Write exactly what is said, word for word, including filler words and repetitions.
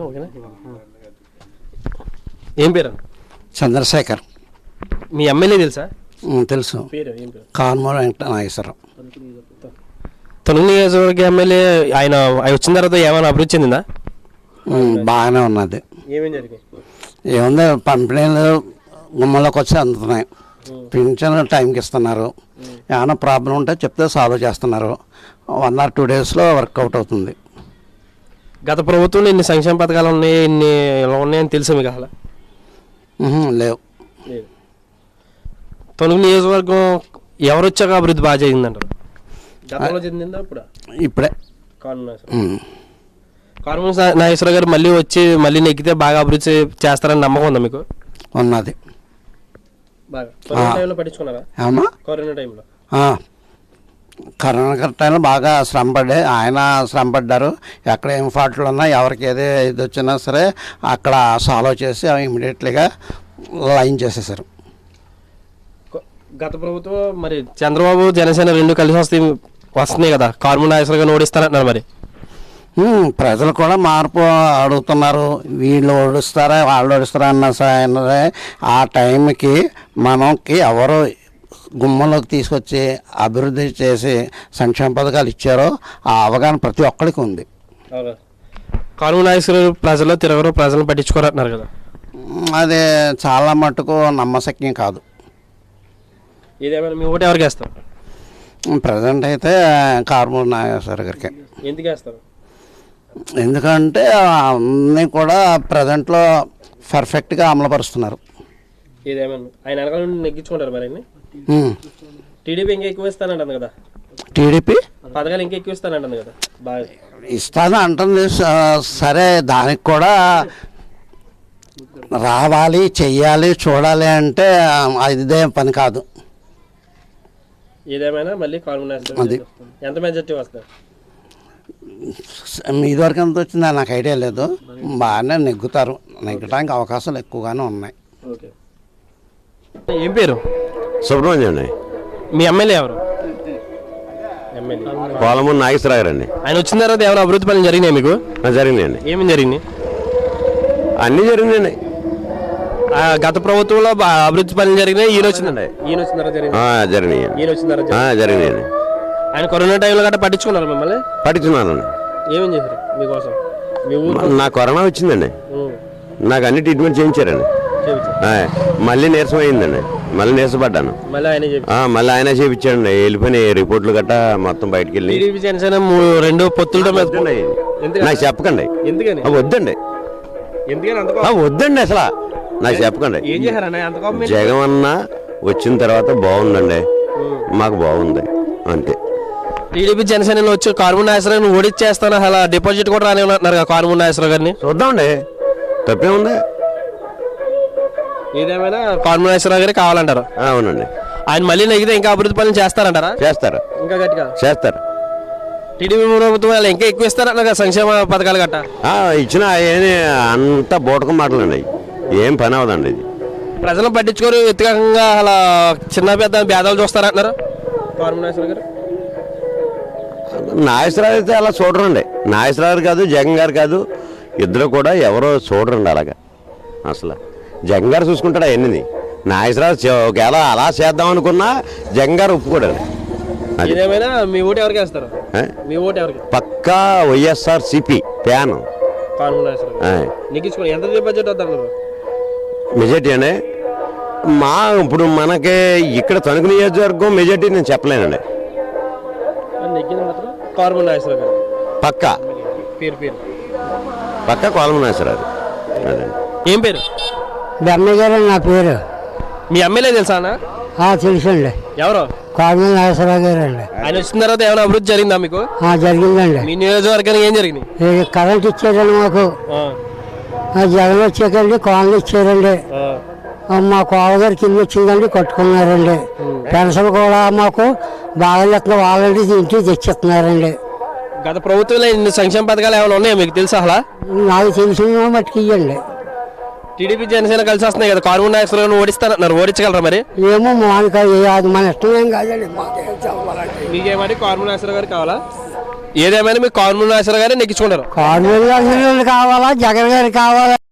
ఓకేనా. ఏం పేరు? చంద్రశేఖర్. మీ ఎమ్మెల్యే తెలుసా? తెలుసు. పేరు ఏం పేరు? కారుమూరి వెంకట నాగేశ్వరరావు. తొలుగు నియోజకవర్గ ఎమ్మెల్యే ఆయన వచ్చిన తర్వాత ఏమైనా అభివృద్ధి చెందిందా? బాగానే ఉన్నది. ఏమేం జరిగింది? ఏముంది, పంపిణీలు గుమ్మలోకి వచ్చి అందుతున్నాయి, పింఛన్ టైంకి ఇస్తున్నారు, ఏమైనా ప్రాబ్లం ఉంటే చెప్తే సాల్వ్ చేస్తున్నారు. వన్ ఆర్ టూ డేస్లో వర్కౌట్ అవుతుంది. గత ప్రభుత్వంలో ఇన్ని సంక్షేమ పథకాలు ఉన్నాయి, ఇన్ని ఇలా ఉన్నాయని తెలుసా మీకు? అసలు లేవు. తొలుగు నియోజకవర్గం ఎవరు వచ్చాక అభివృద్ధి బాగా జరిగిందంటారు? గతంలో చెందిందా ఇప్పుడు? ఇప్పుడే. కారుమూరి నాగేశ్వరరావు గారు మళ్ళీ వచ్చి మళ్ళీ నెగ్గితే బాగా అభివృద్ధి చేస్తారని నమ్మకం ఉందా మీకు? ఉన్నది. కరోనా పట్టించుకున్నారా? కరోనా టైంలో కరోనా టైంలో బాగా శ్రమపడ్డే ఆయన శ్రమపడ్డారు. ఎక్కడ ఏం ఫాల్ట్లు ఉన్నా, ఎవరికి ఏదే ఇది వచ్చినా సరే అక్కడ సాల్వ్ చేసి ఇమీడియట్లీగా లైన్ చేసేసారు. గత ప్రభుత్వం మరి చంద్రబాబు జనసేన రెండు కలిసి వస్తే వస్తున్నాయి కదా, కారుమూరి నాగేశ్వరరావు గారిని ఓడిస్తారంటున్నారు. మరి ప్రజలు కూడా మార్పు అడుగుతున్నారు. వీళ్ళు ఓడిస్తారా వాళ్ళు ఓడిస్తారా అన్న సరే ఆ టైంకి మనకి ఎవరు గుమ్మంలోకి తీసుకొచ్చి అభివృద్ధి చేసి సంక్షేమ పథకాలు ఇచ్చారో ఆ అవగాహన ప్రతి ఒక్కరికి ఉంది. కారుమూరి నాగేశ్వరరావు ప్రజల్లో తిరగరు, ప్రజలను పట్టించుకోరంటున్నారు కదా, అది చాలా మటుకు నమ్మశక్యం కాదు. ఇదేమైనా మీ ఓటు ఎవరికి వేస్తారు? ప్రజెంట్ అయితే కారుమూరి నాగేశ్వర గారికి. ఎందుకు వేస్తారు? ఎందుకంటే అన్నీ కూడా ప్రజెంట్లో పర్ఫెక్ట్గా అమలుపరుస్తున్నారు. ఇదేమన్నా ఆయన వెనకాల నుండి నెగ్గించుకుంటారు. మరి టీడీపీ ఇంకా ఎక్కువ ఇస్తానంటుంది కదా, టీడీపీ పథకాలు ఇంకా ఎక్కువ ఇస్తానంటుంది కదా, బాగా ఇస్తాను అంటుంది. సరే, దానికి కూడా రావాలి, చెయ్యాలి, చూడాలి అంటే ఇదే పని కాదు. ఏదేమైనా మళ్ళీ కారుమూరి నాగేశ్వరరావు ఎంత మెజార్టీ వస్తారు? ఇదివరకు ఎంత వచ్చిందా నాకు ఐడియా లేదు. బాగానే నెగ్గుతారు, నెగ్గడానికి అవకాశాలు ఎక్కువగానే ఉన్నాయి. ఏం పేరు? సుబ్రహ్మణ్యం అండి. మీ ఎమ్మెల్యే ఎవరు? కారుమూరి నాగేశ్వరరావు గారు అండి. ఆయన వచ్చిన తర్వాత ఏమైనా అభివృద్ధి పనులు జరిగినాయి మీకు? జరిగినాయండి. ఏమేమి జరిగినాయి? అన్నీ జరిగినాయండి. గత ప్రభుత్వంలో అభివృద్ధి పనులు జరిగినాయి, ఈయన వచ్చిందండి. ఈయన వచ్చిన తర్వాత జరిగినాయి. ఈయన వచ్చిన తర్వాత జరిగినాయండి. ఆయన కరోనా టైంలో గట్రా పట్టించుకున్నారు మిమ్మల్ని? పట్టించుకున్నాను. ఏమేం చేశారు మీకోసం? మీ ఊరు నాకు కరోనా వచ్చిందండి, నాకు అన్ని ట్రీట్మెంట్ చేయించారండి. మళ్ళీ నీరసం అయిందండి, మళ్ళీ నీరసపడ్డాను. మళ్ళీ ఆయన చేయించాడండి. వెళ్ళిపోయిన రిపోర్ట్లు గట్టా మొత్తం బయటకు వెళ్ళి రెండు పొత్తులతో నాకు చెప్పకండి, వద్దండి వద్దండి అసలు నాకు చెప్పకండి. జగన్ అన్న వచ్చిన తర్వాత బాగుందండి, మాకు బాగుంది అంతే. టీడీపీ జనసేన వచ్చి కారుమూరి నాగేశ్వరరావు ఓడిచ్చేస్తాను, అలా డిపాజిట్ కూడా రానివ్వన్నారు కదా కారుమూరి నాగేశ్వరరావు గారిని. చూద్దామండి, తప్పే ఉంది. ఏదేమైనా కారుమూరి నాగేశ్వరరావు గారికి కావాలంటారు? అవునండి. ఆయన మళ్ళీ నెగితే ఇంకా అభివృద్ధి పనులు చేస్తారంటారా? చేస్తారు, ఇంకా గట్టిగా చేస్తారు. టీడీపీ ప్రభుత్వం ఇంకా ఎక్కువ ఇస్తారన్న సంక్షేమ పథకాలు గట్ట ఇచ్చిన అంతా బోటకం మాటలండి, ఏం పని అవదండి. ఇది ప్రజలను పట్టించుకోరు, వ్యక్తిగతంగా అలా చిన్న పెద్ద భేదాలు చూస్తారంటున్నారు కారుమూరి నాగేశ్వరరావు గారు. నాగేశ్వరరావు అయితే అలా చూడరండి. నాగేశ్వరరావు కాదు, జగన్ గారు కాదు, ఇద్దరు కూడా ఎవరో చూడరండి అలాగా. అసలు జగన్ గారు చూసుకుంటాడు అవన్నీ. నాగేశ్వరరావు ఒకవేళ అలా చేద్దాం అనుకున్నా జగన్ గారు ఒప్పుకోడండి. మీ ఓటు ఎవరికి వేస్తారు? మీ ఓటు ఎవరికి? పక్కా వైఎస్ఆర్ సిపి ప్యాన్. ఎంత బడ్జెట్ వద్దన్నారు? మెజార్టీ అండి మా ఇప్పుడు మనకి ఇక్కడ తణుకు నియోజకవర్గం మెజార్టీ నేను చెప్పలేనండి. కారుమూరి నాగేశ్వరరావు గారు పక్కా పేరు పేరు పక్కా కారుమూరి నాగేశ్వరరావు. ఏం పేరు? బెమ్మయ్య గారు నా పేరు. మీ ఎమ్మెల్యే తెలుసా? తెలుసండి. ఎవరు? కారుమూరి నాగేశ్వరరావు గారు అండి. ఆయన వచ్చిన తర్వాత ఏమైనా అభివృద్ధి జరిగిందా మీకు? జరిగిందండి. మీ నియోజకవర్గానికి ఏం జరిగింది? కరెంట్ ఇచ్చారండి మాకు. జగన్ వచ్చాకండి కాలనీ ఇచ్చారండి. మా కోవగారు కింద వచ్చిందండి, కట్టుకున్నారండి. పెన్షన్ కూడా మాకు బాగా లెక్కన వాళ్ళండి ఇంటికి తెచ్చిస్తున్నారండి. గత ప్రభుత్వంలో ఇన్ని సంక్షేమ పథకాలు ఏమైనా ఉన్నాయా మీకు తెలుసా? అలా నాకు తెలిసిన మట్టుకు ఇవ్వండి. టీడీపీ జనసేన కలిసి వస్తున్నాయి కదా, కారుమూరి నాగేశ్వరరావు ఓడిస్తారన్నారు, ఓడించగలరా మరి? ఏమో మనకి అది మన ఇష్టం ఏం కాదండి. మీకేమని కారుమూరి నాగేశ్వరరావు గారు కావాలా? ఏదేమైనా మీకు కారుమూరి నాగేశ్వరరావు గారే నెగ్గించుకుంటారు. కారుమూరి నాగేశ్వరరావు కావాలా, జగన్ గారు కావాలా?